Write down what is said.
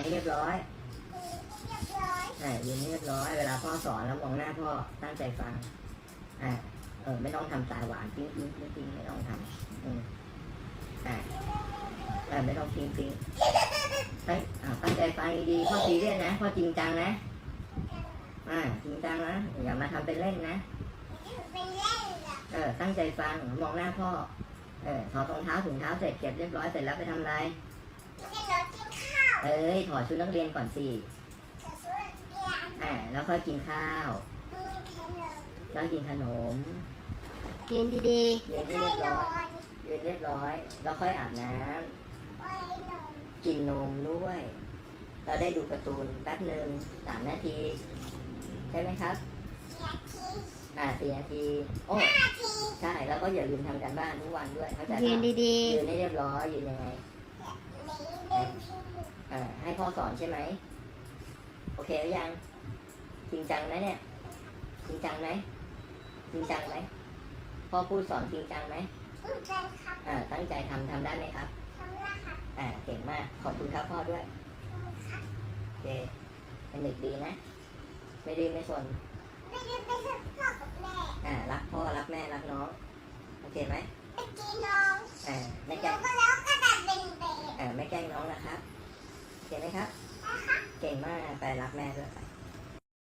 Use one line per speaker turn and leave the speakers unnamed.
ให้เรียบร้อยยืนให้เรียบร้อยเวลาพ่อสอนแล้วมองหน้าพ่อตั้งใจฟังไม่ต้องทำตาหวานปิ๊งปิ๊งปิ๊งปิ๊งไม่ต้องทำไม่ต้องปิ๊งปิ๊งตั้งใจฟังดีๆพ่อซีเรียสนะพ่อจริงจังนะจริงจังนะอย่ามาทำเป็นเล่นนะตั้งใจฟังมองหน้าพ่อถอดรองเท้าถุงเท้าเสร็จเก็บเรียบร้อยเสร็จแล้วไปทำอะไรถอดชุดนักเรียนก่อนสิแล้วค่อยกินข้าวแล้วกินขนม
กินดี
ๆยืนให้เรียบร้อยยืนเรียบร้อยแล้วค่อยอาบน้ำกินนมด้วยเราได้ดูการ์ตูนแป๊บหนึ่ง3 นาทีใช่ไหมครับ4 นาทีโอ้ใช่แล้วก็อย่าลืมทำการบ้านทุกวันด้วยเข้าใจไหม
ยืนดี
ยืนให้เรียบร้อยยืนยังไงให้พ่อสอนใช่ไหมโอเคหรือยังจริงจังไหมเนี่ยจริงจังไหมจริงจังไหมพ่อพูดสอนจริงจังไหมตั้งใจทำได้ไหมครับ
ทำได้ครับ
เก่งมากขอบคุณครับพ่อด้วยโอเคเป็นเด็กดีนะไม่ดื้อไม่สน
ไม่ได้ไปกับพ่อกับแม่
รักพ่อรักแม่รักน้องโอเคไหม
ไปกินน้อง
ไม่แกล้ง
แล้วก็ดัดเป็นเบ
ไม่แกล้งน้องนะครับโอเคไหมครับเก่งมากไปรักแม่ด้วย